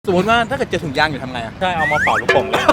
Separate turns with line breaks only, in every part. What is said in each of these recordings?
สมมติว่าถ้าเกิดเจอถุงยางอยู่ทำไงอ่ะ
ใช่เอามาเป่าลูกโป่งเลย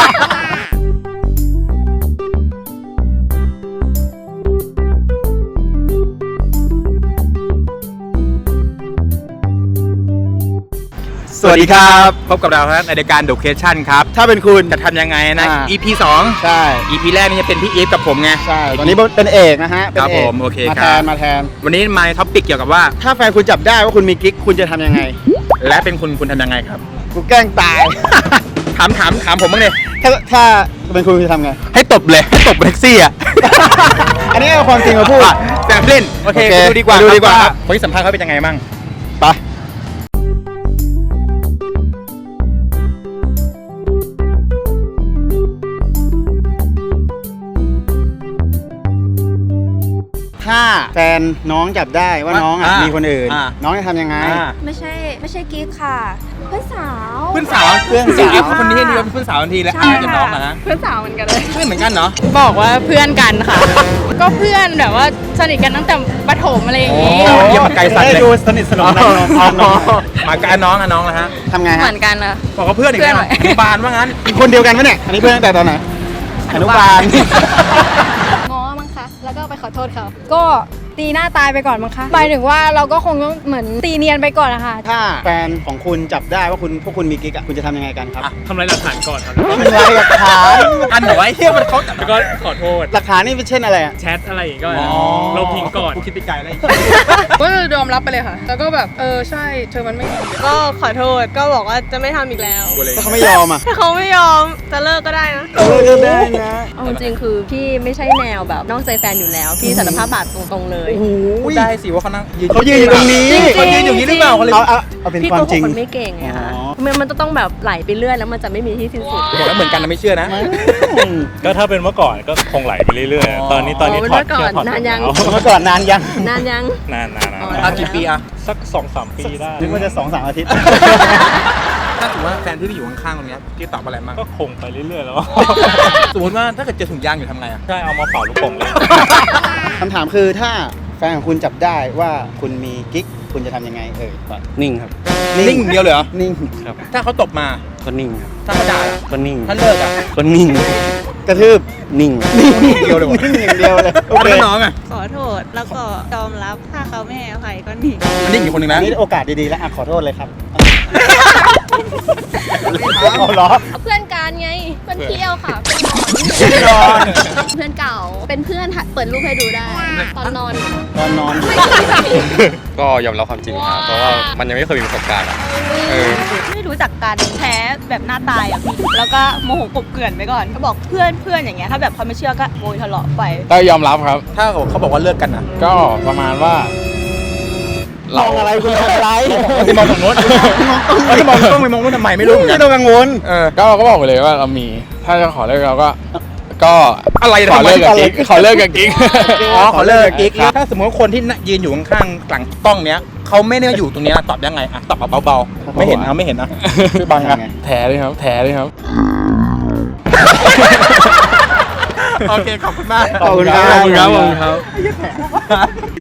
สวัสดีครับพบกับเราครับในรายการ The Question ครับถ้าเป็นคุณจะทำยังไงนะ EP 2
ใช่
EP แรกนี่จะเป็นพี่อีฟกับผมไง
ใช่ตอนนี้เป็นเอกนะฮะเป็น
ครับ
เอก
ผมโอเค
มา
ค
แท
รับ
นมาแทน
วันนี้มาในท็อปิกเกี่ยวกับว่า
ถ้าแฟนคุณจับได้ว่าคุณมีกิ๊กคุณจะทำยังไง
และเป็นคุณทำยังไงครับ
กูแกล้งตาย
ถามผมบ้างเลย
ถ้าเป็นคุณจะทำไง
ให้ตบเลยให้ตบแท็กซี่อ่ะ
อันนี้เอาความจริงมาพูด
แซมเล่นโอเค
โอเค
ไปดูดีกว่า
ไปดูดีกว่า
ครับคนที่สัมภาษณ์เขาเป็นยังไงบ้าง
ไปถ้าแฟนน้องจับได้ว่าน้องอ่ะมีคนอื่น น้องจะทำยังไง
ไม่ใช่กิ๊กค่ะ เพื่อนสาว
เพื่อนสาว
เพื่อนสาว
อีฟคนนี้นี่เป็นเพื่อนสาวทันทีแล้ว
ใช่
จะน้องนะ
เพื่อนสาวเหมือนกันเลย
เพื่อนเหมือนกันเนาะ
บอกว่าเพื่อนกันค่ะ ก็เพื่อนแบบว่าสนิทกันตั้งแต่ประถมอะไรอย่างงี้
โอ้เยี่ยมมาไกลสัตว์เลย
ดูสนิทสนมกันน้อง
มากับน้องนะฮะ
ทำไง
เห
ฮะ
มือนกันนะ
บอกว่าเพื่อนอีกแล้ว
เพื่อน
อนุบาลว่างั้น
คนเดียวกันปะเนี่ยอันนี้เพื่อนตั้งแต่ตอนไหนอนุบาล
ง้อมั้งคะ แล้วก็ไปขอโทษเขา ก็ตีหน้าตายไปก่อนมั้งคะหมายถึงว่าเราก็คงต้องเหมือนตีเนียนไปก่อนนะคะ
ถ้าแฟนของคุณจับได้ว่าพวกคุณมีกิ๊กอ่ะคุณจะทำยังไงกันครับ
ทำลายหลักฐานก่อนครับ
ทำลายหลักฐาน
อันเหรอไอ้เหี้ยมันเขาจับ
แล้วก็ขอโทษ
หลักฐานนี่เป็นเช่นอะไรอ่ะ
แชทอะไรอย่างเงี้ยก็เราพิงก่อน
กูคิดไปไกลแล้ว
ก็ยอมรับไปเลยค่ะ แล้วก็แบบใช่เธอมันไม่ดี
ก็ขอโทษก็บอกว่าจะไม่ทำอีกแล้ว
ถ้าเขาไม่ยอมอ่ะ
ถ้าเขาไม่ยอมจะเลิกก็ได้นะ
ก็ได้นะ
เอาจริงๆคือพี่ไม่ใช่แนวแบบนอกใจแฟนอยู่แล้ว พี่สารภาพบาดตรงๆเลย
พูดได้สิว่าเขานั่ง
เขายืนอยู่ตรงนี้
เขายืนอยู่นี้หรือเปล่าเขาเลย
เอาเป็น
พี่
ความ
โกห
จริ
ก
ง
คนไม่เก่งไงคะ
อ๋อ
มันจะต้องแบบไหลไปเรื่อยแล้วมันจะไม่มีที่สิ้นสุด
บอกแล้วเหมือนกันนะไม่เชื่อนะ
ก็ถ้าเป็นเมื่อก่อนก็คงไหลไปเรื่อย
อ๋อ
ๆ ตอนนี้ถอด
เมื่
เสื้
อก่อน
ถอด
นานยัง
แล้ว
เมื่อก่อนนานยัง
นานยัง
นาน
เอากี่ปีอะ
สัก 2-3 ปีได้
นึกว่าจะ2-3 อาทิตย์
ถ้าสมมติว่าแฟนที่อยู่ข้างๆตรงเนี้ยพี่ตอบอะไรมั่ง
ก็คงไปเรื่อยๆแล้ว
สมมติว่าถ้าเกิดเจอถุงยางอยู่ทำไงอะ
ใช่เอามาเป่าลูกโป่งเลย
คำถามคือถ้าแฟนของคุณจับได้ว่าคุณมีกิ๊กคุณจะทำยังไงก่อน
นิ่งครับ
นิ่งอย่างเดียวเลยเหรอ
นิ่ง
ถ้าเขาตบมา
ก็นิ่งครับ
ถ้าเขาด่า
ก็นิ่ง
ถ้าเลิกอะ
ก็นิ่ง
กระทืบ
นิ่ง
นิ่งอย่างเดียวเลยวะ
นิ่งอย่างเดียวเลยโอเค
ถ้าน้องอะ
ขอโทษแล้วก็ยอมรับถ้าเขาไม่ให้อภัยก็หนี
มันนิ่งอีกคนหนึ่ง
อั
นะ
นนี้โอกาสดีๆแล้วอ่ะขอโทษเลยครับเอาเหรอ
เพื่อนกันไง เพื่อนเที่ยวค่ะ
นอน
เพื่อนเก่า เป็นเพื่อนเปิดรูปให้ดูได้ ตอนนอน
ตอนนอน
ก็ยอมรับความจริงครับ เพราะว่ามันยังไม่เคยมีประสบการณ์อะ
ไม่รู้จักกันแพ้แบบหน้าตายอ่ะพี่แล้วก็โมโหกบเกลื่อนไปก่อนก็บอกเพื่อนอย่างเงี้ยถ้าแบบเขาไม่เชื่อก็โวยทะเลาะไป
ก็ยอมรับครับ
ถ้าเขาบอกว่าเลิกกันอะ
ก็ประมาณว่า
มองอะไรคุณมองอะไร
จะมองฝั่งโน้นจะมองต้องไปมองโน้นทำไมไม่รู้เหมือนกั
ไม่
น
ต้องกังวล
ก็บอกไปเลยว่าเรามี ถ้าจะขอเลิกเราก็
อะไร
ขอเลิกกับ
อะไร
กิ๊กขอเลิกกับกิ๊ก
อ๋อขอเลิกกับกิ๊กถ้าสมมติว่าคนที่ยืนอยู่ข้างๆหลังกล้องเนี้ยเขาไม่ได้อยู่ตรงเนี้ยตอบยังไงอะตอบแบบเบาๆไม่เห็นนะไม่เห็นนะช่วยบังกัน
แถเลยครับ แถเลยครับ
โอเคขอบคุณมาก
ขอบคุณครับ
ขอบคุณครับ